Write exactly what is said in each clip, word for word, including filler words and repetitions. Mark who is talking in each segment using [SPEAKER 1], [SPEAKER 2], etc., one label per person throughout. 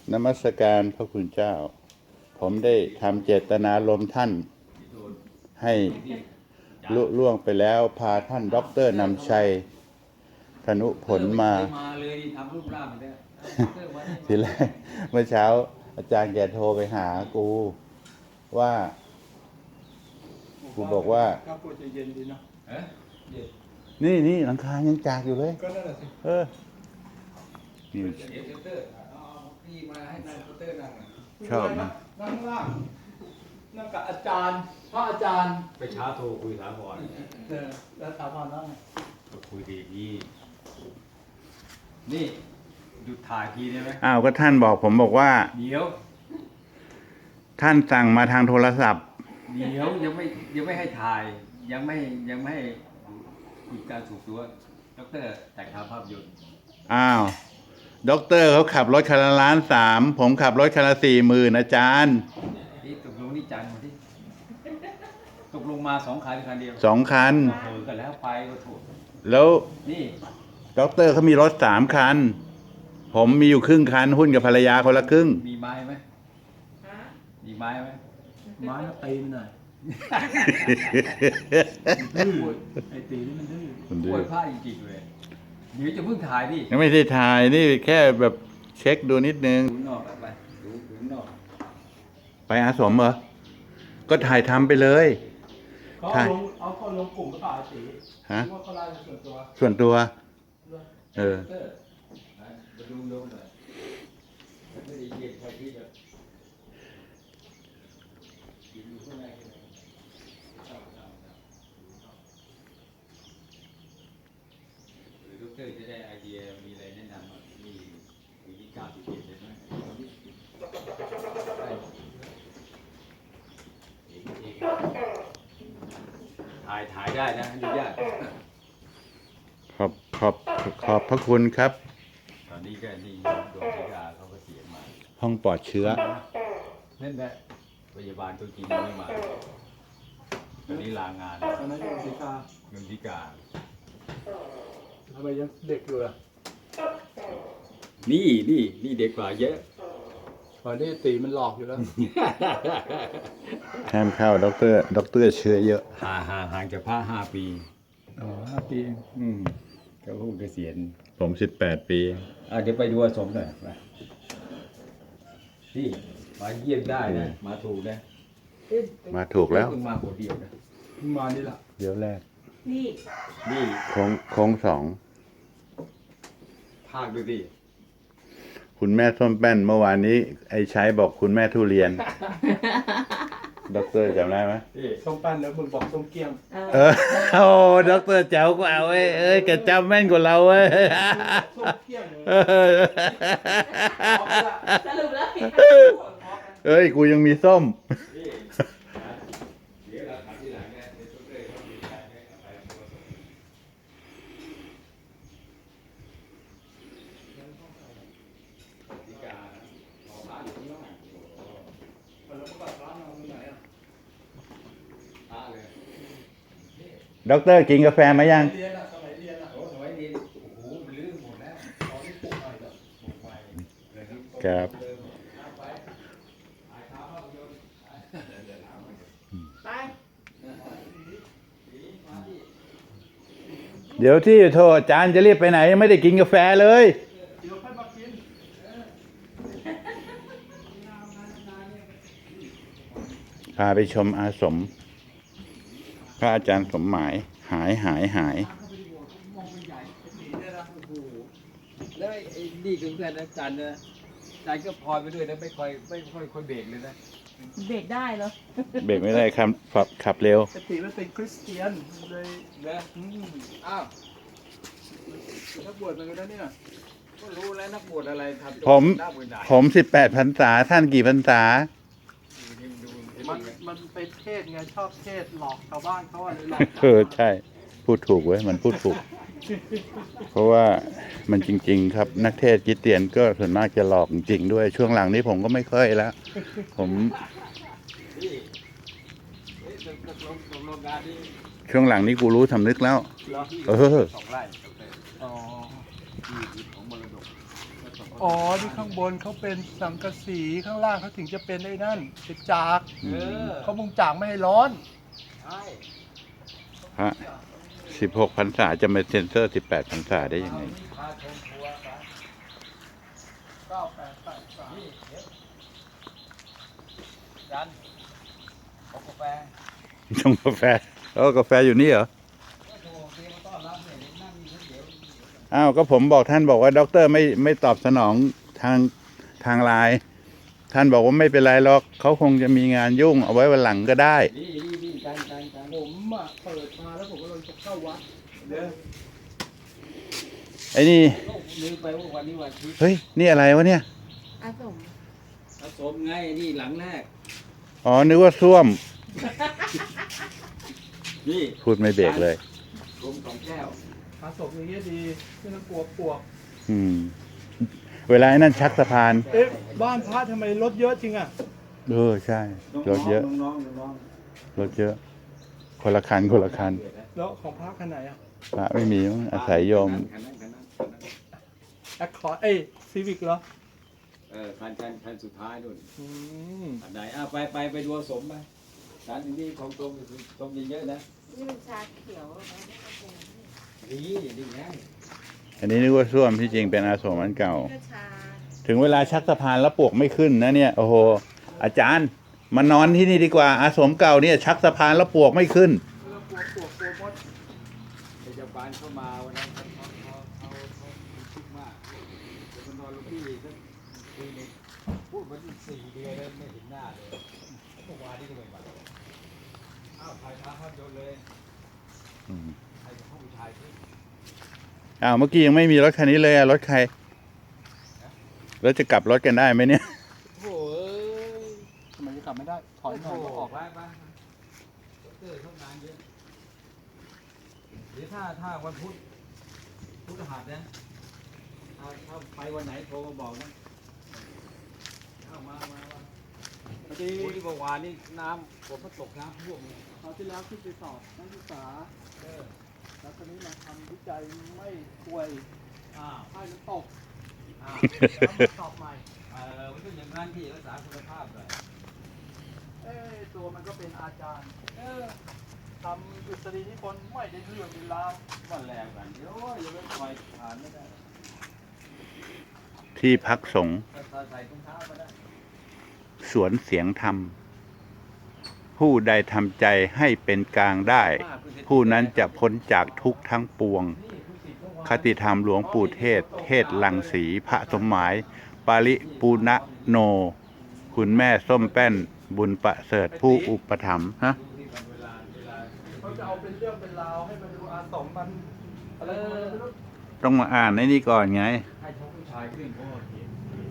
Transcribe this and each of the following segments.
[SPEAKER 1] นมัสการพระคุณเจ้าผมได้ทำเจตนารมณ์ท่านให้ลุล่วงไปแล้วพาท่านด็อกเตอร์นำชัยธนุผลมาทีแรกเมื่อเช้าอาจารย์แกโทรไปหากูว่ากูบอกว่านี่นี่หลังคายังจากอยู่เลยก็นั่นแหละสิเออชอบนะนั่งล่างนั่งกับอาจารย์พระอาจารย์
[SPEAKER 2] ไปช้าโทรคุยถามก่อน
[SPEAKER 1] เออแล้วถามก่อนว่า
[SPEAKER 2] ก็คุยดีพี่นี่หยุดถ่ายทีได้ไหม
[SPEAKER 1] อ้าวก็ท่านบอกผมบอกว่า
[SPEAKER 2] เดี๋ยว
[SPEAKER 1] ท่านสั่งมาทางโทรศัพท์
[SPEAKER 2] เดี๋ยวยังไม่ยังไม่ให้ถ่ายยังไม่ยังไม่ให้คุยการถูกตัวดร.แต่งทำภาพยนตร์
[SPEAKER 1] อ้าวด็อกเตอร์เขาขับรถคันละล้านสามผมขับรถคันละสี่หมื่นอาจารย์
[SPEAKER 2] นี่ตกลงนี่จันมาที่ตกลงมาสองคันคันเดียว
[SPEAKER 1] สองคัน
[SPEAKER 2] เออกันแล้วไปก็ถูก
[SPEAKER 1] แล้ว
[SPEAKER 2] นี่
[SPEAKER 1] ด็อกเตอร์เขามีรถสามคันผมมีอยู่ครึ่งคันหุ้นกับภรรยาคนละครึ่ง
[SPEAKER 2] มีไม้ไหมมีไม้ไหม
[SPEAKER 3] ไม้ตีมันหน่อยไอ้ตีนี่มันดื้อ
[SPEAKER 2] มันดื้อปวดผ้าจริงๆเลยเดี๋ยวจะเพิ่งถ่ายดิ
[SPEAKER 1] ยังไม่ได้ถ่ายนี่แค่แบบเช็คดูนิดนึง
[SPEAKER 2] ดูนอกไปดูดูนอก
[SPEAKER 1] ไปอาสมเหรอก็ถ่ายทำไปเลย
[SPEAKER 3] เขาเอาลงเอาเขาลงกลุ่มประกาศสี
[SPEAKER 1] ฮะ
[SPEAKER 3] ว่าเขาไล่ส่วนตัว
[SPEAKER 1] ส่วนตัวเออ
[SPEAKER 2] มาดูลงหน่อยไม่ได้เย็นใครที่จะอยู่ข้างในหรือดร.จะได้ไอเดียมีอะไรแนะนำมีวิธีการที่เปลี่ยนได้ไหมถ่ายถ่ายได้นะอนุญาต
[SPEAKER 1] ขอบขอบขอบพระคุณครับ
[SPEAKER 2] ตอนนี้ก็นี่ดวงธิดาเขาก็เสียมา
[SPEAKER 1] ห้องปลอดเชื้อ
[SPEAKER 2] นั่นแหละพยาบาลตัวจริงไม่มาตอนนี้ลางาน
[SPEAKER 3] ตอนนั้นยังศิกา
[SPEAKER 2] ดวงธิดา
[SPEAKER 3] ทำไมยังเด็กอยู่ล่ะ
[SPEAKER 2] นี่นี่นี่เด็กกว่าเยอะ
[SPEAKER 3] ตอนนี้ตีมันหลอกอยู่แล้ว
[SPEAKER 1] ห้ามเข้าด็อกเตอร์ด็อกเตอร์เชื้อเยอะ
[SPEAKER 2] ห่างห่างห่างจากพระห้าปี
[SPEAKER 3] อ๋อห้าปีเอง
[SPEAKER 2] อืมเขาเพิ่งเกษียณ
[SPEAKER 1] ผมสิบแปดปี
[SPEAKER 2] อ่ะเดี๋ยวไปดูอาสมหน่อยไปที่มาเยี่ยมได้นะมาถูกนะ
[SPEAKER 1] มาถูกแล้ว
[SPEAKER 2] มาคนเดียวนะ
[SPEAKER 3] มานี่แหละ
[SPEAKER 1] เดี๋ยวแรก
[SPEAKER 2] นี่นี่
[SPEAKER 1] โค้งโค้งสอง
[SPEAKER 2] ภาคดูดิ
[SPEAKER 1] คุณแม่ส้มแป้นเมื่อวานนี้ไอ้ใช้บอกคุณแม่ทุเรียนด็อกเตอร์จำได้ไหม
[SPEAKER 3] ส้มแป้นแล้วมึงบอกส้มเกี้ยม
[SPEAKER 1] เออโอ้ด็อกเตอร์เจ้าก็เอาเอ้ยเอ้ยแกจำแม่นกว่าเราเว้ยส้มเกี้ยมสรุปแล้วเอ้ยกูยังมีส้มด็อกเตอร์กินกาแฟไหมยัง
[SPEAKER 3] เรียนอะสมัยเรียนอะโอ้สมัยเรียนโอ้โหมันลื่นหมดแล้วตอนนี้ปลุกหน่อยแล้วปลุกไป
[SPEAKER 1] ครับเดี๋ยวที่โทรอาจารย์จะรีบไปไหนยังไม่ได้กินกาแฟเลยพาไปชมอาสมพระอาจารย์สมหมายหายหายหาย
[SPEAKER 2] แล้วไอ้นี่คือเพื่อนอาจารย์นะอาจารย์ก็พลอยไปด้วยนะไม่ค่อยไม่ค่อยค่อยเบรกเลยนะ
[SPEAKER 4] เบรกได้เหรอ
[SPEAKER 1] เบรกไม่ได้ครับขับขับเร็ว
[SPEAKER 3] ปกติมันเป็นคริสเตียนเลย
[SPEAKER 2] นะอ้าว
[SPEAKER 3] นักบวชมันก็ได้เนี่ย
[SPEAKER 2] ก็รู้แล้วนักบวชอะไรทำ
[SPEAKER 1] ผมผมสิบแปดพรรษาท่านกี่พรรษา
[SPEAKER 3] มันมันไปเทศไงชอบเทศหลอกชาวบ้านเขาอะไรหลอก
[SPEAKER 1] เออใช่พูดถูกเว้ยมันพูดถูกเพราะว่ามันจริงๆครับนักเทศคริสเตียนก็ส่วนมากจะหลอกจริงๆด้วยช่วงหลังนี้ผมก็ไม่ค่อยแล้วผมช่วงหลังนี้กูรู้สำนึกแล้วเออ
[SPEAKER 2] สองไร่อ๋อที่ของมรดก
[SPEAKER 3] อ๋อที่ข้างบนเขาเป็นสังกะสีข้างล่างเขาถึงจะเป็นไอ้นั่นเป็นจาก
[SPEAKER 2] เออ
[SPEAKER 3] เขามุงจากไม่ให้ร้อน
[SPEAKER 2] ใช่
[SPEAKER 1] พระสิบหกพรรษาจะมาเซ็นเซอร์สิบแปดพรรษาได้ยังไง
[SPEAKER 2] นี่พาชมครัวกัน
[SPEAKER 3] เก้าแปดแปดสาม
[SPEAKER 2] นี่เดี๋ยวยันเอากาแฟ
[SPEAKER 1] ชงกาแฟแล้วกาแฟอยู่นี่เหรอ
[SPEAKER 2] ก็โทรเตรียมมาต้อนรับเนี่ยเดี๋ยวนั่งนี่เดี๋ยว
[SPEAKER 1] อ้าวก็ผมบอกท่านบอกว่าด็อกเตอร์ไม่ไม่ตอบสนองทางทางไลน์ท่านบอกว่าไม่เป็นไรหรอกเขาคงจะมีงานยุ่งเอาไว้วันหลังก็ได้
[SPEAKER 2] นี่นี่นี่การการการ
[SPEAKER 3] ผมอ่ะเปิดมาแล้วผมก็เลยจะเข้าวัด
[SPEAKER 2] เด้อ
[SPEAKER 1] ไอ้นี่
[SPEAKER 2] โลกลืมไปว่าวันนี้วันอาทิตย์
[SPEAKER 1] เฮ้ยนี่อะไรวะเนี่ย
[SPEAKER 4] อาสม
[SPEAKER 2] ผสมไงนี่หลังแรก
[SPEAKER 1] อ๋อนึกว่าส้วม
[SPEAKER 2] นี่
[SPEAKER 1] พูดไม่เบรกเลย
[SPEAKER 2] รวมสองแก้ว
[SPEAKER 3] อาศพอย่างเงี้ยดีไม่ต้องกลัวปลวก
[SPEAKER 1] อืม เวลาไอ้นั่นชักสะพาน
[SPEAKER 3] เอ๊ะบ้านพระทำไมรถเยอะจริงอ่ะ
[SPEAKER 1] เออใช่รถเยอะ
[SPEAKER 2] น้องๆน้อง
[SPEAKER 1] รถเยอะ คนละคันคนละคัน
[SPEAKER 3] แล้วของพระคันไหนอ่ะ
[SPEAKER 1] พระไม่มีมั้งอาศัยโยม
[SPEAKER 2] คันนั้นคันนั้นคันนั้น
[SPEAKER 3] แอคคอร์ดเอ้ยซีวิกเหรอ
[SPEAKER 2] เออคันคันคันสุดท้ายนู่น
[SPEAKER 3] อืม
[SPEAKER 2] อันไหนอ่ะไปไปไปดูผสมไปร้านนี้ของตรงตรงเยอะๆนะ
[SPEAKER 4] นี่มันชาเขียวนะนี่ก็เป็น
[SPEAKER 2] นี่ดีไง
[SPEAKER 1] อันนี้นึกว่าส้วมที่จริงเป็นอาสมอันเก่า
[SPEAKER 4] ก็ชา
[SPEAKER 1] ถึงเวลาชักสะพานแล้วปวกไม่ขึ้นนะเนี่ยโอ้โหอาจารย์มานอนที่นี่ดีกว่าอาสมเก่าเนี่ยชักสะพานแล้วปวกไม่ขึ้น
[SPEAKER 3] แล้วกลัวปลวกกลัวมด
[SPEAKER 2] พยาบาลเข้ามาวันนั้นเขาเขาเขาเขาเขาคิดมากเดี๋ยวมันนอนลูกพี่สักทีหนึงพูดมาที่สี่เดือนแล้วไม่เห็นหน้าเลยเมื่อวานนี้ก็ไม่มาอ้าวถ่ายภาพภาพยนตร์เลยใครจะเข้าไปถ่ายที่
[SPEAKER 1] อ้าวเมื่อกี้ยังไม่มีรถคันนี้เลยอะรถใครแล้วจะกลับรถกันได้ไหมเนี่ย
[SPEAKER 2] โอ้ย
[SPEAKER 3] ทำไมจะกลับไม่ได้ ถอยหน่อยก็ออก
[SPEAKER 2] ไปไปเตอร์ทำงานเยอะเดี๋ยวถ้าถ้าวันพุธพุธหัสนะถ้าถ้าไปวันไหนโทรมาบอกนะเอามามามา
[SPEAKER 3] พอดี
[SPEAKER 2] โอ้ยเมื่อวานนี่น้ำฝนมันตกน้ำท่วมเลย
[SPEAKER 3] คราวที่แล้วขึ้นไปสอบนักศึกษา
[SPEAKER 2] เออ
[SPEAKER 3] แล้วตอนนี้มาทำวิจัยไม่ป่วย
[SPEAKER 2] อ้าว
[SPEAKER 3] ให้มันตก
[SPEAKER 2] อ้าว
[SPEAKER 3] แล้วมาสอบใหม่
[SPEAKER 2] เออมันก็อย่างนั้นที่รักษาคุณภาพเลย
[SPEAKER 3] เอ้ยตัวมันก็เป็นอาจารย์เออทำดุษฎีนิพนธ์ไม่ได้เรื่องเวลาว
[SPEAKER 2] วันแรกกันเดี๋ยวอย่าไปปล่อยผ่านไม่ได้
[SPEAKER 1] ที่พักสงฆ์
[SPEAKER 2] ถ้าใส่ถุงเท้ามาได้
[SPEAKER 1] สวนเสียงธรรม ผู้ใดทำใจให้เป็นกลางได้ ผู้นั้นจะพ้นจากทุกข์ทั้งปวง คติธรรมหลวงปู่เทศ เทศลังสีพระสมหมาย ปาริปูณโน คุณแม่ส้มแป้น บุญประเสริฐผู้อุปถัมภ์ฮะ
[SPEAKER 3] เขาจะเอาเป็นเรื่องเป็นราวให้มันดูอาสมมันอะไรของมันไม่รู้
[SPEAKER 1] ต้องมาอ่านในนี้ก่อนไง
[SPEAKER 2] ให้ชกผู้ชายขึ้นเพราะว่าเห็น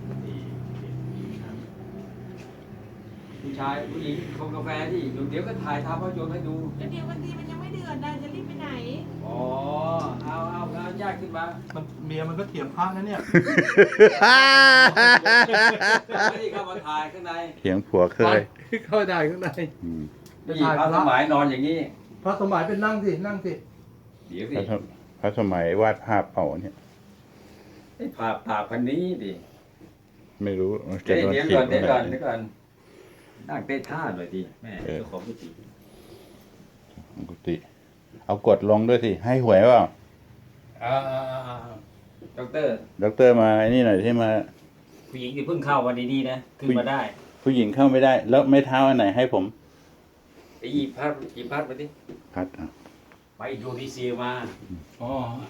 [SPEAKER 2] ผู้ชายผู้หญิงชงกาแฟที่เดี๋ยวก็ถ่ายทำภาพยนตร์ให้ดู
[SPEAKER 4] แล้วเดี๋ยววันทีมันยังไม่เดือดนะจะรีบไปไหน
[SPEAKER 2] อ๋อ เอาเอาเอาญาติขึ้นมา
[SPEAKER 3] มันเมียมันก็เถียงพระนะเนี่ย
[SPEAKER 2] ไม่ได้เข้ามาถ่ายข้างใน
[SPEAKER 1] เถียงผัวเคย
[SPEAKER 3] เข้าได้ข้างใน
[SPEAKER 1] อืม
[SPEAKER 2] นี่พระสมัยนอนอย่างนี้
[SPEAKER 3] พระสมัยเป็นนั่งสินั่งสิ
[SPEAKER 2] เดี๋ยว
[SPEAKER 1] พ
[SPEAKER 2] สิ
[SPEAKER 1] ระสมพระสมัยวาดภาพเป่าเนี่ย
[SPEAKER 2] ไอ้ผ่าผ่าพันนี้ดิ
[SPEAKER 1] ไม่รู้
[SPEAKER 2] เดี๋ยว
[SPEAKER 1] โดน
[SPEAKER 2] เดี๋ยว
[SPEAKER 1] ถี
[SPEAKER 2] ก่
[SPEAKER 1] บ
[SPEAKER 2] อนเดี๋ยว
[SPEAKER 1] เมื่อไห
[SPEAKER 2] ก่อ
[SPEAKER 1] ร่
[SPEAKER 2] นเดี๋ยวก่อนนั่งเต้ท่าหน่อยดิแม่
[SPEAKER 1] เออ
[SPEAKER 2] เจ้าของกุฏิ
[SPEAKER 1] กุฏิเอากดลงด้วยสิ ให้หวยเปล่า
[SPEAKER 2] อ่าด็อกเตอร์
[SPEAKER 1] ด็อกเตอร์มาไอ้นี่หน่อยที่มา
[SPEAKER 2] ผู้หญิงที่เพิ่งเข้าวันดีๆนะขึ้นมาได้
[SPEAKER 1] ผู้หญิงเข้าไม่ได้ แล้วไม่เท้าอันไหนให้ผม
[SPEAKER 2] ไอ้ยีพัดยีพัดมาดิ
[SPEAKER 1] พัดอ่ะ
[SPEAKER 2] ไปอินโดนีเซียมา
[SPEAKER 3] อ๋อ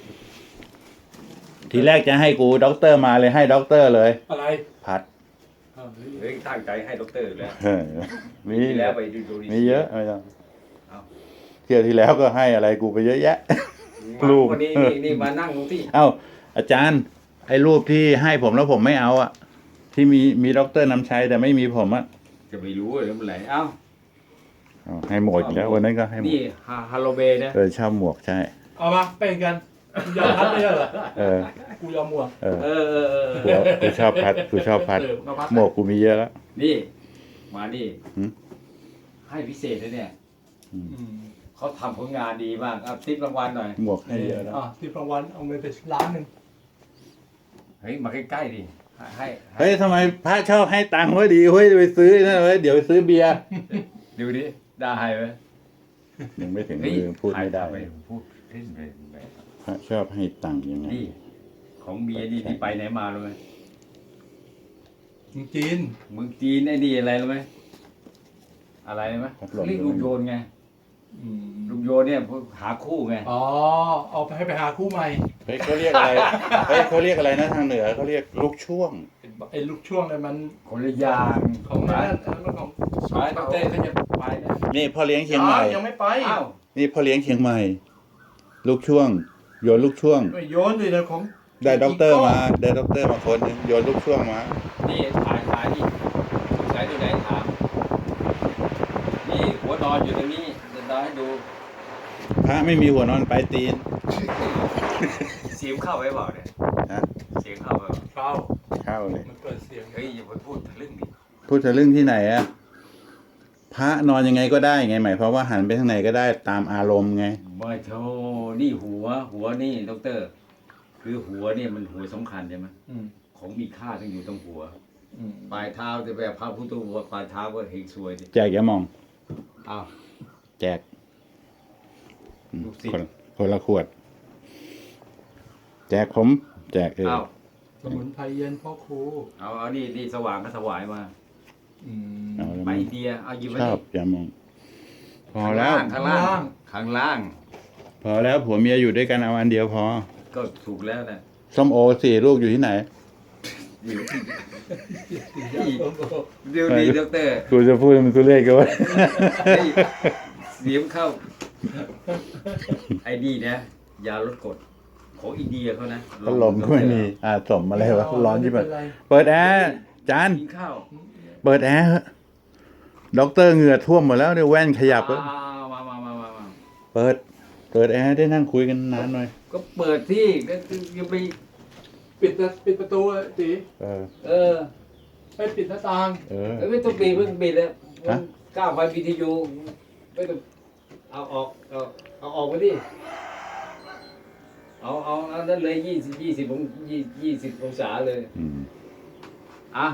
[SPEAKER 1] ทีแรกจะให้กูด็อกเตอร์มาเลยให้ด็อกเตอร์เลย
[SPEAKER 3] อะไร
[SPEAKER 1] พัด
[SPEAKER 2] เฮ้ยตั้งใจให้ด็อกเตอร์แล้ว
[SPEAKER 1] เออมี
[SPEAKER 2] ที่แล้วไปอินโดนีเซีย
[SPEAKER 1] มีเยอะไม่ต้อง
[SPEAKER 2] เอา
[SPEAKER 1] เที่ยวที่แล้วก็ให้อะไรกูไปเยอะแยะ รูป
[SPEAKER 2] วันนี้นี่นี่มานั่งตรงที่
[SPEAKER 1] เอ้าอาจารย์ ไอ้รูปที่ให้ผมแล้วผมไม่เอาอะที่มีมีด็อกเตอร์นำชัยแต่ไม่มีผมอะ
[SPEAKER 2] จะไม่รู้เลยมันไหนเอ้า
[SPEAKER 1] เอาให้หมดอีกแล้ววันนั้นก็ให้หมด
[SPEAKER 2] นี่ฮาฮาโลเบนะ
[SPEAKER 1] เออชอบหมวกใช่
[SPEAKER 3] เอามาเป็นกันกูยอมพัดไม่ใช่เหรอ
[SPEAKER 1] เออ
[SPEAKER 3] กูยอมมัว
[SPEAKER 1] เออ
[SPEAKER 2] เออเออเออ
[SPEAKER 1] กูกูชอบพัดกูชอบพัด
[SPEAKER 3] เออมาพัด
[SPEAKER 1] หมวกกูมีเยอะแล้ว
[SPEAKER 2] นี่ มานี่
[SPEAKER 1] หืม
[SPEAKER 2] ให้พิเศษเลยเนี่ย
[SPEAKER 3] อืม
[SPEAKER 2] เขาทำผลงานดีมากเอาทิปรางวัลหน่อย
[SPEAKER 1] หมวกให้เยอะแล้ว
[SPEAKER 3] อ่ะที่รางวัลเอาเงินไปล้านหนึ่ง
[SPEAKER 2] เฮ้ย มาใกล้ๆดิให้
[SPEAKER 1] เฮ้ยทำไมพระชอบให้ตังค์ไว้ดีเฮ้ยไปซื้อนะเว้ยเดี๋ยวไปซื้อเบียร์
[SPEAKER 2] ดูดิได้ไหม
[SPEAKER 1] ยังไม่ถึง
[SPEAKER 2] เฮ้ย
[SPEAKER 1] มือพูดไม่ได้
[SPEAKER 2] ทำพูดเล่นไปไป
[SPEAKER 1] พระชอบให้ตังค์ยังไง
[SPEAKER 2] นี่ ของเมียนี่ที่ไปไหนมารู้ไหม
[SPEAKER 3] จีน
[SPEAKER 2] เมืองจีนไอ้นี่อะไรรู้ไหมอะไรรู้ไหมเรียกลูกโยนไง
[SPEAKER 3] อืม
[SPEAKER 2] ลูกโยนเนี่ยหาคู่ไง
[SPEAKER 3] อ๋อเอาไปให้ไปหาคู่ใหม่
[SPEAKER 1] เฮ้ยเขาเรียกอะไรเฮ้ยเขาเรียกอะไรนะทางเหนือเขาเรียกลูกช่วง
[SPEAKER 3] ไอ้ลูกช่วงเนี่ยมัน
[SPEAKER 2] คนละอย่าง
[SPEAKER 3] ของ
[SPEAKER 2] ไป
[SPEAKER 3] นั่นอันนั้นของ
[SPEAKER 2] ไปดอกเตอร์เขาจะไปนะ
[SPEAKER 1] นี่พ่อเลี้ยงเชียงใหม่
[SPEAKER 3] ยังไม่ไป
[SPEAKER 2] อ้าว
[SPEAKER 1] นี่พ่อเลี้ยงเชียงใหม่ ลูกช่วง โยนลูกช่วง
[SPEAKER 3] ไม่โยนเลยนะของ
[SPEAKER 1] ได้ด็อกเตอร์มา ได้ด็อกเตอร์มาคนหนึงโยนลูกช่วงมา
[SPEAKER 2] นี่ถ่ายถ่ายนี่สายตัวไหนถามนี่หัวนอนอยู่ตรงนี้จะได้ให้ดู
[SPEAKER 1] พระไม่มีหัวนอนปลายตีน
[SPEAKER 2] เสียงเข้าไปเปล่าเนี่ย
[SPEAKER 1] นะ
[SPEAKER 2] เสียงเข้าไปเปล่า
[SPEAKER 3] เข้า
[SPEAKER 1] เข้าเลย
[SPEAKER 3] มันเกิดเสียง
[SPEAKER 2] เฮ้ยอย่าไปพูดทะลึ่งดิ
[SPEAKER 1] พูดถึงเรื่องที่ไหนอะพระนอนยังไงก็ได้ไงหมายความว่าหันไปทางไหนก็ได้ตามอารมณ์ไง
[SPEAKER 2] ไม่โธ่นี่หัว หัวนี่ดอกเตอร์ คือหัวเนี่ยมันหัวสำคัญใช่ไหม
[SPEAKER 3] อืม
[SPEAKER 2] ของมีค่าต้องอยู่ตรงหัว
[SPEAKER 3] อืม
[SPEAKER 2] ปลายเท้าจะแบบพระพุทธหัวปลายเท้าก็เฮงซวยดิ
[SPEAKER 1] แจกอย่ามอง
[SPEAKER 2] อ้าว
[SPEAKER 1] แจกอืม
[SPEAKER 2] ลูกศิษย์
[SPEAKER 1] คนคนละขวด แจกผม แจกเออ
[SPEAKER 2] อ้าว
[SPEAKER 3] สมุนไพรเย็นพ่อครู
[SPEAKER 2] เอาเอานี่นี่สว่างก็ถวายมา
[SPEAKER 3] อืม
[SPEAKER 1] เอาแล้ว
[SPEAKER 2] ไป
[SPEAKER 1] มั้ง
[SPEAKER 2] อินเดียเอาหยิบไว้
[SPEAKER 1] ชอ
[SPEAKER 2] ดิ
[SPEAKER 1] บอย่ามอง พอแล้ว
[SPEAKER 2] ข้างล่าง ข้างล่าง
[SPEAKER 1] พอแล้วผัวเมียอยู่ด้วยกันเอาอันเดียวพอ
[SPEAKER 2] ก็ถูกแล้วนะ
[SPEAKER 1] ส้มโอสี่ลูกอยู่ที่ไหน
[SPEAKER 2] อยู่เดี๋ยวนี้ดอกเตอร์
[SPEAKER 1] กูจะพูดมันกูเล่กันวะ
[SPEAKER 2] เฮ้ยเสียงเข้า ไอ้นี่นะยาลดกรดของอินเดียเขานะ
[SPEAKER 1] พัดลมก็ไม่มีอ่าสมอะไรวะร้อนที่มัน
[SPEAKER 3] ไม่เป็ไร
[SPEAKER 1] เปิดแอร์จาน
[SPEAKER 2] กินข้าว
[SPEAKER 1] เปิดแอร์เถอะด็อกเตอร์เหงื่อท่วมหมดแล้วเดี๋ยวแว่นขยับแล้ว
[SPEAKER 2] อ่ามามามามามา
[SPEAKER 1] เปิด เปิดแอร์ได้นั่งคุยกันนานหน่อย
[SPEAKER 2] ก็เปิดที่ก็คือยังไป
[SPEAKER 3] ปิดประปิดประตูอะจี
[SPEAKER 1] เออ
[SPEAKER 2] เออ
[SPEAKER 3] ไปปิดหน้าต่าง
[SPEAKER 1] เออ
[SPEAKER 2] เอ้ยไม่ต้องปิดไม่ต้องปิดแล้ว
[SPEAKER 1] ฮะ
[SPEAKER 2] ก้าวไฟวิทยุไม่ต้องเอาออกเอาเอาออกไปดิเอาเอาเอานั่นเลยยี่สิบยี่สิบองยี่ยี่สิบองศาเลย
[SPEAKER 1] อืม
[SPEAKER 2] อ่ะ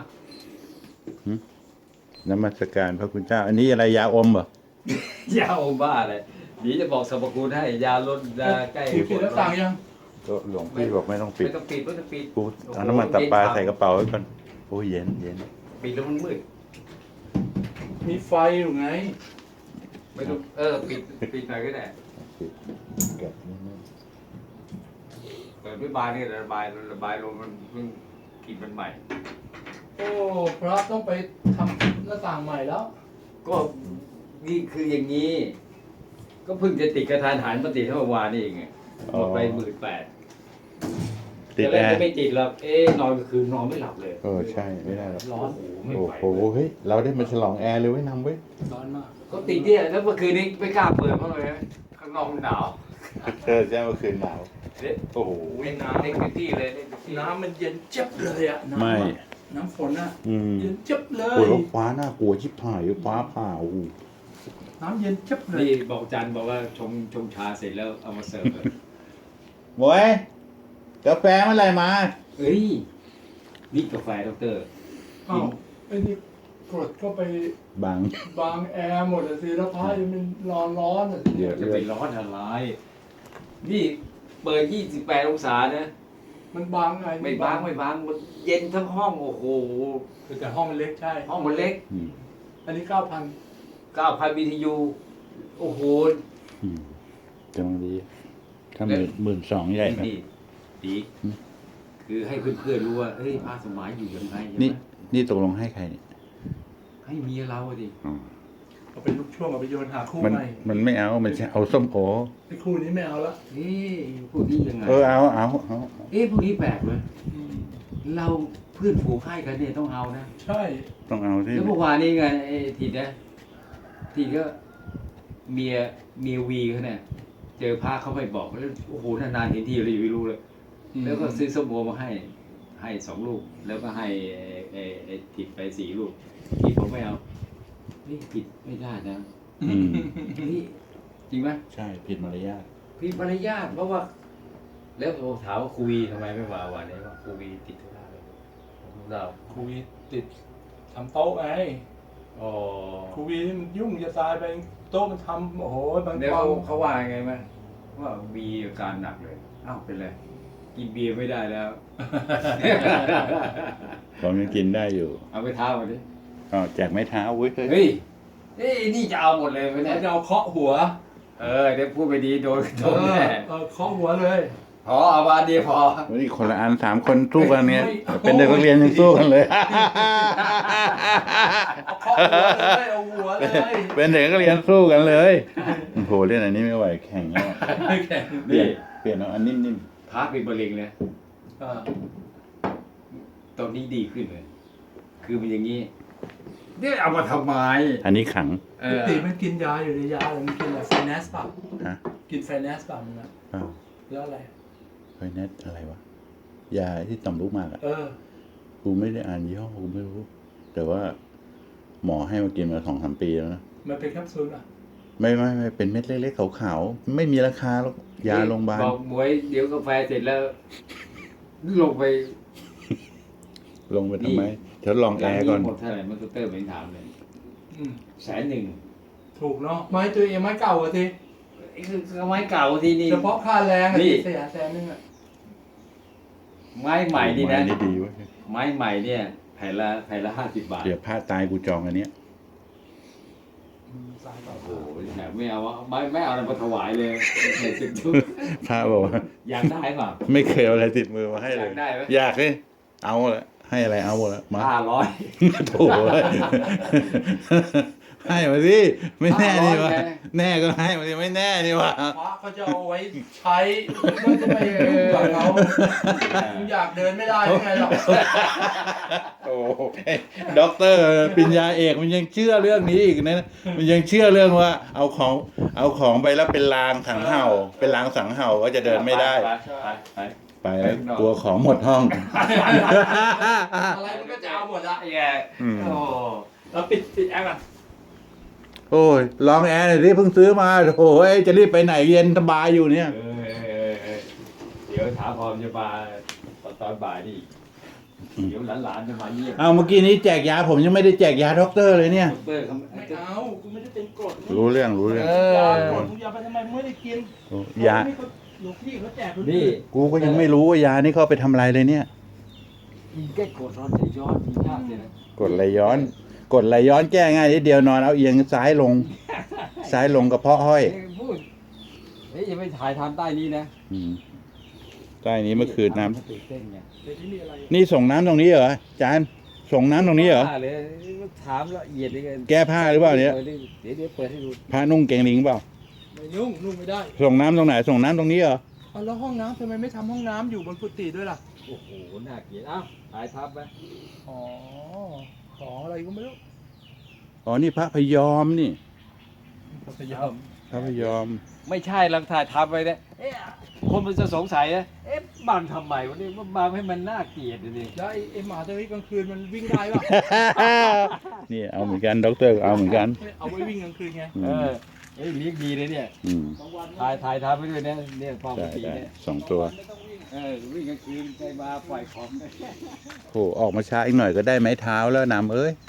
[SPEAKER 1] นมัสการพระคุณเจ้า อันนี้อะไรยาอมเหรอย
[SPEAKER 2] าอมบ้าเลยเดี๋ยวจะบอกสรรพคุณให้ยาลดยาแก้
[SPEAKER 3] ปิดปิดหน้าต่างยัง
[SPEAKER 1] ก็หลวงพี่บอกไม่ต้องปิด
[SPEAKER 2] ไม่ต้องปิดไม่ต้องปิด
[SPEAKER 1] กูเอาน้ำมันตับปลาใส่กระเป๋าไว้ก่อนโอ้ยเย็นเย็น
[SPEAKER 2] ปิดแล้วมันมืด
[SPEAKER 3] มีไฟอยู่ไง
[SPEAKER 2] ไม่ต้องเออปิดปิดหน่อยก็ได้
[SPEAKER 1] แกะนิดนึง
[SPEAKER 2] เปิดด้วยบานนี่ระบายระบายลมมันเพิ่งกินมันใหม่
[SPEAKER 3] โอ้พระต้องไปทำหน้าต่างใหม่แล้ว
[SPEAKER 2] ก็นี่คืออย่างนี้ ก็เพิ่งจะติดกระทานหันมาติดเมื่อวานนี่เองอะหมดไปหมื่นแปด
[SPEAKER 1] ติดแอร์
[SPEAKER 2] ไม่ติดหรอกเอ๊ะนอนก็คืนนอนไม่หลับเลย
[SPEAKER 1] เออใช่ไม่ได้หรอก
[SPEAKER 2] ร้อนโอ้โหไม่
[SPEAKER 1] โอ้
[SPEAKER 2] ไหว
[SPEAKER 1] โหเฮ้ยเราได้มาฉลองแอร์เลยเว้ยนำเว้ย
[SPEAKER 3] ร้อนมาก
[SPEAKER 2] ก็ติดเนี่ยแล้วเมื่อคืนนี้ไม่กล้าเปิดเพราะอะไรนะข้างนอกมันหนาว
[SPEAKER 1] เธอแจ้งเมื่อคืนหนาว
[SPEAKER 2] เด็ด
[SPEAKER 1] โอ้โห
[SPEAKER 2] เล่นน้ำเล่นพื้นที่เลยเล่นพื้นที่
[SPEAKER 3] น้ำมันเย็นเจ็บเลยอะน้ำ
[SPEAKER 1] ไม่
[SPEAKER 3] อะน้ำฝนอะ
[SPEAKER 1] อืม
[SPEAKER 3] เย็นเจ็บเล
[SPEAKER 1] โอ้
[SPEAKER 3] ย
[SPEAKER 1] ยแล้วฟ้าน่ากลัวชิบหายฟ้าผ่าโอ้โห
[SPEAKER 3] น้ำเย็นเจ็บเลย
[SPEAKER 2] นี่บอกจันบอกว่าชงชงชาเสร็จแล้วเอามาเสิร์ฟเลย
[SPEAKER 1] บวยกาแฟเมื่อไหร่มา
[SPEAKER 2] เฮ้ยนี่กาแฟดอกเตอร์
[SPEAKER 3] อ้าวไอ้นี่กดเข้าไป
[SPEAKER 1] บาง
[SPEAKER 3] บางแอร์หมดอะสิแล้วพระยังมันร้อนร้อนๆอะสิ
[SPEAKER 1] เดี๋ยว
[SPEAKER 2] จะไปร้อนอะไรนี่เปิดยี่สิบแปดองศานะ
[SPEAKER 3] มันบางไง
[SPEAKER 2] ไม่บางไม่บางมันเย็นทั้งห้องโอ้โห
[SPEAKER 3] แต่ห้องมันเล็กใช่
[SPEAKER 2] ห้องมันเล็ก
[SPEAKER 1] อืม
[SPEAKER 3] อันนี้เก้าพัน
[SPEAKER 2] เก้าพันบีทียูโอ้โห
[SPEAKER 1] อืมกำลังดี ถ้าหมื่นหมื่นสองใหญ่ครับ
[SPEAKER 2] ดีดี
[SPEAKER 1] อืม
[SPEAKER 2] คือให้เพื่อนๆรู้ว่าเฮ้ยพระสมัยอยู่ยังไงใช่
[SPEAKER 1] นี่
[SPEAKER 2] ไหม
[SPEAKER 1] นี่ตกลงให้ใครเนี่ย
[SPEAKER 2] ให้เมียเราอะดิ
[SPEAKER 1] อ๋อ
[SPEAKER 3] เอาเป็นลูกช่วงเอาไปโยนหาคู่
[SPEAKER 1] มัน
[SPEAKER 3] ใหม่
[SPEAKER 1] มันไม่เอา มันจะเอาส้มโอ
[SPEAKER 3] ไอ้คู่นี้ไม่เอาละ
[SPEAKER 2] เอ๊ะพวกนี้ยังไง
[SPEAKER 1] เออเอาเอาเอา
[SPEAKER 2] เอ๊ะพวกนี้แปลกเลย
[SPEAKER 3] อืม
[SPEAKER 2] เราเพื่อนฝูงให้กันเนี่ยต้องเอานะ
[SPEAKER 3] ใช่
[SPEAKER 1] ต้องเอาที่
[SPEAKER 2] แล้วเมื่อวานนี้ไงไอ้ทีนะทีก็เมียเมียวีเขาเนี่ยเจอพระเขาไม่บอกแล้วโอ้โหนานๆเห็นทีเลยไม่รู้เลย แล้วก็ซื้อส้มโอมาให้ ให้สองลูก แล้วก็ให้ไอ้ไอ้ไอ้ติดไปสี่ลูกทีผมไม่เอาเฮ้ยผิดไม่ได้นะ
[SPEAKER 1] อืม
[SPEAKER 2] เฮ้ยจริงไหม
[SPEAKER 1] ใช่ผิดมารยาท
[SPEAKER 2] ผิดมารยาทเพราะว่า แล้วผมถามว่าครูวีทำไมไม่มาวันนี้ว่าครูวีติดธุระเลยผมเรา
[SPEAKER 3] ครูวีติดทำโต๊ะไง
[SPEAKER 2] อ๋อ
[SPEAKER 3] ครูวีนี่มันยุ่งจะตายไปโต๊ะมันทำโอ้โหบาง
[SPEAKER 2] เดี๋ยว
[SPEAKER 3] ควา
[SPEAKER 2] เขา
[SPEAKER 3] ม
[SPEAKER 2] เขาว่าไงมั้ยว่ามีอาการหนักเลยอ้าวเป็นไรกินเบียร์ไม่ได้แล้ว
[SPEAKER 1] ผมยังกินได้อยู่
[SPEAKER 2] เอาไปท้ามาดิ
[SPEAKER 1] อ๋อแจกไม้เท้าเว้ยเฮ้ย
[SPEAKER 2] เฮ้ยเอ้ยนี่จะเอาหมดเลยไหมเนี่ย
[SPEAKER 3] เขาจะเอาเคาะหัว
[SPEAKER 2] เออเดี๋ยวพูดไปดีโดนโด
[SPEAKER 3] เอน อ
[SPEAKER 2] แน่
[SPEAKER 3] เออเคาะหัวเลย
[SPEAKER 2] พอเอามาดีพอ
[SPEAKER 1] วันนี้คนละอันสามคนสู้กันเนี่ย
[SPEAKER 3] ไม่
[SPEAKER 1] เป็นเด็กนักเรียนยังสู้กันเลย
[SPEAKER 3] เอาเคาะหัวเลยเอาหัวเลย
[SPEAKER 1] เป็นเด็กนักเรียนสู้กันเลยโอ้โหเล่นอันนี้ไม่ไหวแข่งแล้วเปลี่ยนเปลี่ยนเอาอันนิ่ม
[SPEAKER 2] พาเป็นบะเร็งเลย
[SPEAKER 3] เออ
[SPEAKER 2] ตอนนี้ดีขึ้นเลย คือมันอย่างนี้เนี่ยเอามาทำไม
[SPEAKER 1] ๆอันนี้ขัง
[SPEAKER 2] เอ
[SPEAKER 3] ป
[SPEAKER 2] อก
[SPEAKER 3] ติมันกินยาอยู่ในยาอะไรมันกินอะไรไฟแนสป่ะ
[SPEAKER 1] ฮะ
[SPEAKER 3] กินไฟแนสป่ะมันนะ
[SPEAKER 1] อ้าว
[SPEAKER 3] แล้วอะไร
[SPEAKER 1] ไฟแนสอะไรวะยาที่ต่อมลูกหมากอ่ะ
[SPEAKER 3] เออ
[SPEAKER 1] กูไม่ได้อ่านยี่ห้อกูไม่รู้ แต่ว่า หมอให้มากินมาสองสามปีแล้วนะ
[SPEAKER 3] มันเป็นแคปซูลอ่ะ
[SPEAKER 1] ไม่ไม่ไม่เป็นเม็ดเล็กๆขาวๆไม่มีราคาหรอกยาโรงพยาบาล
[SPEAKER 2] บอกหมวยเดี๋ยวกาแฟเสร็จแล้ว ลงไป
[SPEAKER 1] ลงไปทำไมทดลองแอร์ก่อน
[SPEAKER 2] หมดเท่าไหร่มันก็เตอร์ไม่ถามเลย
[SPEAKER 3] อืม
[SPEAKER 2] แสนหนึ่ง
[SPEAKER 3] ถูกเนาะไม้ตัวเองไม้เก่าอะสิ
[SPEAKER 2] ไอ้คือไม้เก่าที่นี่
[SPEAKER 3] เฉพาะค่าแรงอะ
[SPEAKER 2] นี่
[SPEAKER 3] เสียแสนนึงอะ
[SPEAKER 2] ไม้ใหม่นี่นะ
[SPEAKER 1] ไม้นี่ดีเว้ย
[SPEAKER 2] ไม้ใหม่เนี่ยแผ่นละแผ่นละห้าสิบบาท
[SPEAKER 1] เดี๋ยวพลาดตายกูจองอันเนี้ย
[SPEAKER 3] อืมสายเก่า
[SPEAKER 2] โอ้โหแถมไม่เอาอะไม่ไม่เอาอะไรมาถวายเลยในสิบชุด
[SPEAKER 1] พระบอกว่า
[SPEAKER 2] อยากได้เปล่า
[SPEAKER 1] ไม่เคยเอาอะไรติดมือมาให้เลย
[SPEAKER 2] อยากได้ไหม
[SPEAKER 1] อยากเลยเอาละให้อะไรเอาหมดละมา
[SPEAKER 2] ห้าร้อย
[SPEAKER 1] โถ่เว้ยให้มาสิไม่แน่นี่วะ
[SPEAKER 2] ห้าร้อยไง
[SPEAKER 1] แน่ก็ให้มาสิไม่แน่นี่วะ
[SPEAKER 3] พระเขาจะเอาไว้ใช้ก็จะไปยุ่งกับเขามึงอยากเดินไม่ได้ยังไงหรอก
[SPEAKER 1] โอ้เอ้ยด็อกเตอร์ปริญญาเอกมันยังเชื่อเรื่องนี้อีกนะมันยังเชื่อเรื่องว่า เอาของเอาของไปแล้วเป็นลางสังเห่า เป็นลางสังเห่าก็จะเดินไม่ได้
[SPEAKER 2] ไปไปไป
[SPEAKER 1] ไปแล้วกลัวของหมดห้อง
[SPEAKER 3] อะไรมันก็จะเอาหมดละ
[SPEAKER 2] ไอ้แก
[SPEAKER 1] อืม
[SPEAKER 2] โอ้
[SPEAKER 3] แล้วปิดปิดแอร์ก่อน
[SPEAKER 1] โอ้ยลองแอร์หน่อยดิเพิ่งซื้อมาโอ้ยจะรีบไปไหนเย็นสบายอยู่เนี่ย
[SPEAKER 2] เออเออเออเดี๋ยวถามพร้อมจะมาตอนตอนบ่ายนี่เดี๋ยวหลานๆจะมาเยี่ยม
[SPEAKER 1] เอาเมื่อกี้นี้แจกยาผมยังไม่ได้แจกยาด็อกเตอร์เลยเนี่ย
[SPEAKER 2] ดอกเตอร์เขา
[SPEAKER 3] ไม่เอากูไม่ได้เป็นกรด
[SPEAKER 1] รู้เรื่องรู้เรื่อง
[SPEAKER 3] ยาหมดมึงยาไปทำไมมึงไม่ได้กิน
[SPEAKER 1] ยา
[SPEAKER 3] นี่เขาหลวงพี่เขาแจก
[SPEAKER 2] นี่
[SPEAKER 1] กูก็ยังไม่รู้ว่ายานี่เขาเอาไปทำอะไรเลยเนี่ย
[SPEAKER 2] กินแก้กดร้อนใจย้อนกินยากเลยนะ
[SPEAKER 1] กดไหลย้อน กดไหลย้อนแก้ง่ายนิดเดียวนอนเอาเอียงซ้ายลง ซ้ายลงกระเพาะห้อย
[SPEAKER 2] เอ้ยพูดเฮ้ยอย่าไปถ่ายทำใต้นี้นะ
[SPEAKER 1] อืมใต้นี้เมื่อคืนน้
[SPEAKER 2] ตื่นเต้นไง
[SPEAKER 3] เดี๋ยวนี้มีอะไร
[SPEAKER 1] ำนี่ส่งน้ำตรงนี้เหรอจานส่งน้ำตรงนี้เหรอ
[SPEAKER 2] บ้าเลยถามละเอียดเลยกัน
[SPEAKER 1] แก้ผ้าหรือเปล่าเนี่ย
[SPEAKER 2] เดี๋ยวเดี๋ยวเปิดให้ดู
[SPEAKER 1] พระนุ่งเกงลิงเปล่า
[SPEAKER 3] ไม่ยุ่งนุ่งไม่ได้
[SPEAKER 1] ส่งน้ำตรงไหนส่งน้ำตรงนี้เหรอ
[SPEAKER 3] เอาแล้วห้องน้ำทำไมไม่ทำห้องน้ำอยู่บนกุฏิด้วยล่ะ
[SPEAKER 2] โอ้โหน่าเกลียดอ้าวถ่ายทับไป
[SPEAKER 3] อ๋อของอะไรก็ไม่รู้
[SPEAKER 1] อ๋อนี่พระพยอมนี่
[SPEAKER 3] พยายาม
[SPEAKER 1] พระพยอม
[SPEAKER 2] ไม่ใช่ลังถ่ายทับไปเนี่ยเอ๊ะคนมันจะสงสัยนะเอ๊ะบังทำไมวันนี้มันบังให้มันน่าเกลียดดิ
[SPEAKER 3] แล้วไอ้ไอ้หมาตัวนี้กลางคืนมันวิ่งได้ป่ะ
[SPEAKER 1] นี่เอาเหมือนกันด็อกเตอร์ก็เอาเหมือนกัน
[SPEAKER 3] เอาไว้วิ่งกลางคืนไง
[SPEAKER 1] อื
[SPEAKER 2] เอ
[SPEAKER 1] ม
[SPEAKER 2] อเอ้ยเลี้ยงดีเลยเนี่ย
[SPEAKER 1] อืม
[SPEAKER 3] บางวัน
[SPEAKER 2] ถ่ายถ่ายทับไปด้วยเนี่ยเนี่ยฟอง
[SPEAKER 1] ได้
[SPEAKER 2] สี
[SPEAKER 1] ได้
[SPEAKER 2] เนี่ย
[SPEAKER 1] สองตัว
[SPEAKER 3] ไม่ต้องวิ่ง
[SPEAKER 2] เออวิ่งกลางคืนไปมาปล่อยของเนี่ย
[SPEAKER 1] โหออกมาช้าอีกหน่อยก็ได้ไม้เท้าแล้วนำเอ้ย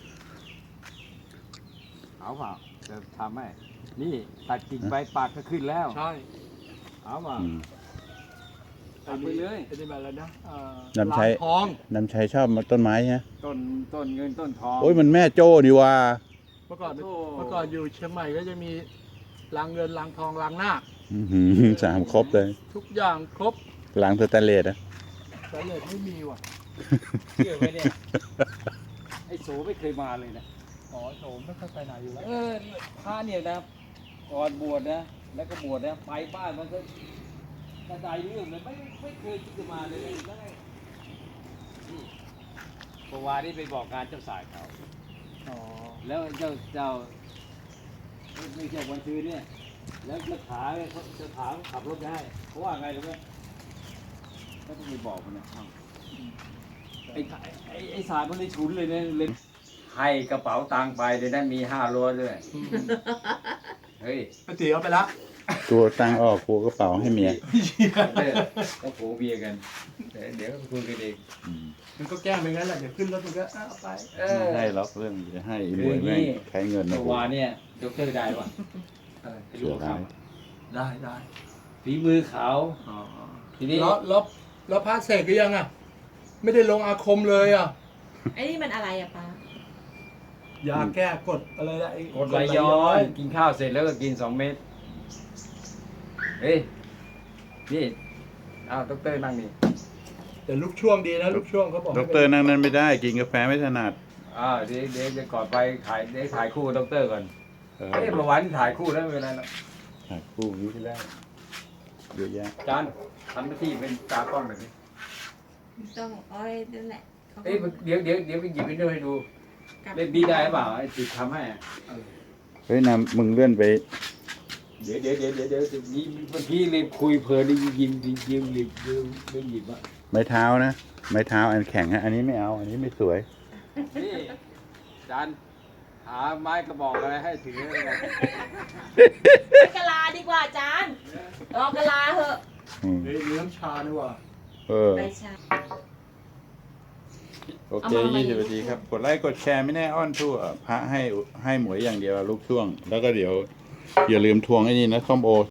[SPEAKER 2] เอาเปล่าจะทำไหมนี่ตัดกิ่งใบปากก็ขึ้นแล้ว
[SPEAKER 3] ใช่
[SPEAKER 2] เอาเปล่า
[SPEAKER 1] อืม
[SPEAKER 2] ทำไปเลย
[SPEAKER 3] ไอ้นี่แบบอะไรนะเอ่อ
[SPEAKER 1] น้ำใช้
[SPEAKER 3] ลานทอง
[SPEAKER 1] นำชัยชอบมาต้นไม้ฮะ
[SPEAKER 2] ต้นต้นเงินต้นทอง
[SPEAKER 1] โอ้ยมันแม่โจ้ดีว่า
[SPEAKER 3] เมื่อก่อน
[SPEAKER 2] โอ้
[SPEAKER 3] เมื่อก่อนอยู่เชียงใหม่ก็จะมีรางเงินรางทองรางนาค
[SPEAKER 1] อื้อหือสามครบเลย
[SPEAKER 3] ทุกอย่างครบ
[SPEAKER 1] หลังสแตนเลสอะ
[SPEAKER 3] แต่เลยไม่มีว่ะ
[SPEAKER 2] เชื่อไหมเนี่ยไอ้โสไม่เคยมาเลยนะ
[SPEAKER 3] อ๋อโถมไม่ค่อยไปไหนอยู่แล้ว
[SPEAKER 2] เออพระเนี่ยนะก่อนบวชนะแล้วก็บวชนะไปบ้านมันก็กระจายเรื่องเลยไม่ไม่เคยคิดจะมาเลยได้นี่เมื่อวานนี้ไปบอกการเจ้าสายเขา
[SPEAKER 3] อ๋อ
[SPEAKER 2] แล้วเจ้าเจ้าไม่ใช่วันซื้อเนี่ย แล้วจะถามเขาจะถามขับรถได้เขาว่าไงรู้ไหมก็ต้องไปบอกมันนะอ้าวไอ้ไอ้ไอ้สายมันเลยฉุนเลยเนี่ยเลยให้กระเป๋าตังค์ไปเดี๋ยวนั้นมีห้าร้อยด้วย เฮ้ย
[SPEAKER 3] ปกติเอาไปละ
[SPEAKER 1] ตัวตังออกกูกระเป๋าให้เมีย
[SPEAKER 2] เออก็โผเบียร์กันดี๋ยวเดี๋ยวก็คุยกันเอง
[SPEAKER 1] อืม
[SPEAKER 3] มันก็แกล้งไปงั้นแหละเดี๋ยวขึ้นรถมันก็อ้าวไป
[SPEAKER 2] เออ
[SPEAKER 1] ไม่ให้ล็อกเรื่องจะให้อี
[SPEAKER 2] คือ
[SPEAKER 1] มวย
[SPEAKER 2] อย่าง
[SPEAKER 1] แม่
[SPEAKER 2] นี้
[SPEAKER 1] งใช้เงินนะ
[SPEAKER 2] เมื่อวานเนี่ยดอกเตอร์ได้ป่ะ
[SPEAKER 3] อะไร
[SPEAKER 2] ไอ้ลูกเขา
[SPEAKER 3] ได้ได้
[SPEAKER 2] ฝีมือเขา
[SPEAKER 3] อ๋อ
[SPEAKER 2] ทีนี้
[SPEAKER 3] แล้วแล้วแล้วพระเสกหรือยังอ่ะ ไม่ได้ลงอาคมเลยอ่ะ
[SPEAKER 4] ไอ้นี่มันอะไรอะป้าย
[SPEAKER 3] าแก้กดอะไรนะอ้
[SPEAKER 2] กดไหลย้อนกินข้าวเสร็จแล้วก็กินสองเม็ดเฮ้ยนี่อ้าวดอกเตอร์นั่งนี่
[SPEAKER 3] แต่ลูกช่วงดีนะลูกช่วงเขาบอก
[SPEAKER 1] ด็อกเตอร์นั่งนั้นไม่ได้กินกาแฟไม่ถนัด
[SPEAKER 2] อ่าเดี๋ยวเดี๋ยวจะก่อนไปถ่ายเดี๋ยวถ่ายคู่กับดอกเตอร์ก่อน
[SPEAKER 1] เออ
[SPEAKER 2] เอ้ยเมื่อวานถ่ายคู่แล้วไม่เป็นไรหรอก
[SPEAKER 1] ถ่ายคู่วิที่แล้วเยอะแยะ
[SPEAKER 2] จานทำหน้าที่เป็นตากล้องหน่อยสิ
[SPEAKER 4] ต้องอ้อยนั่นแหละขา
[SPEAKER 2] เอ้ยเดี๋ยวเดี๋ยวเดี๋ยวไปหยิบวิดีโอให้ดู
[SPEAKER 4] กลับ
[SPEAKER 2] เล่นบีได้หรือเปล่าไอ้ติดทำให้อะ
[SPEAKER 1] เฮ้ยนำมึงเลื่อนไป
[SPEAKER 2] เดี๋ยวเดี๋ยวเดี๋ยวเดี๋ยวเดี๋ยวนี่เมื่อกี้เลยคุยเพลินได้ยิงยิงยิงยิงยิงยิงยิงหยิบอ่ะ
[SPEAKER 1] ไม้เท้านะ ไม้เท้าอันแข็งฮะอันนี้ไม่เอา อันนี้ไม่สวย
[SPEAKER 2] นี่จานหาไม้กระบอกอะไรให้ถือเลยนะ
[SPEAKER 4] ไปกะลาดีกว่าจานรอกะลาเหอะ
[SPEAKER 1] อืม
[SPEAKER 3] เฮ้ยมีน้ำชาด้วยว่ะ
[SPEAKER 1] เออ
[SPEAKER 4] ไปชา
[SPEAKER 1] โอเค
[SPEAKER 4] เอามา
[SPEAKER 1] ยี่สิบ
[SPEAKER 4] มา
[SPEAKER 1] นาทีครับ กดไลค์กดแชร์ไม่แน่อ้อนทั่ว พระให้ให้หมวยอย่างเดียวลูกช่วง แล้วก็เดี๋ยว อย่าลืมทวงไอ้นี่นะส้มโอ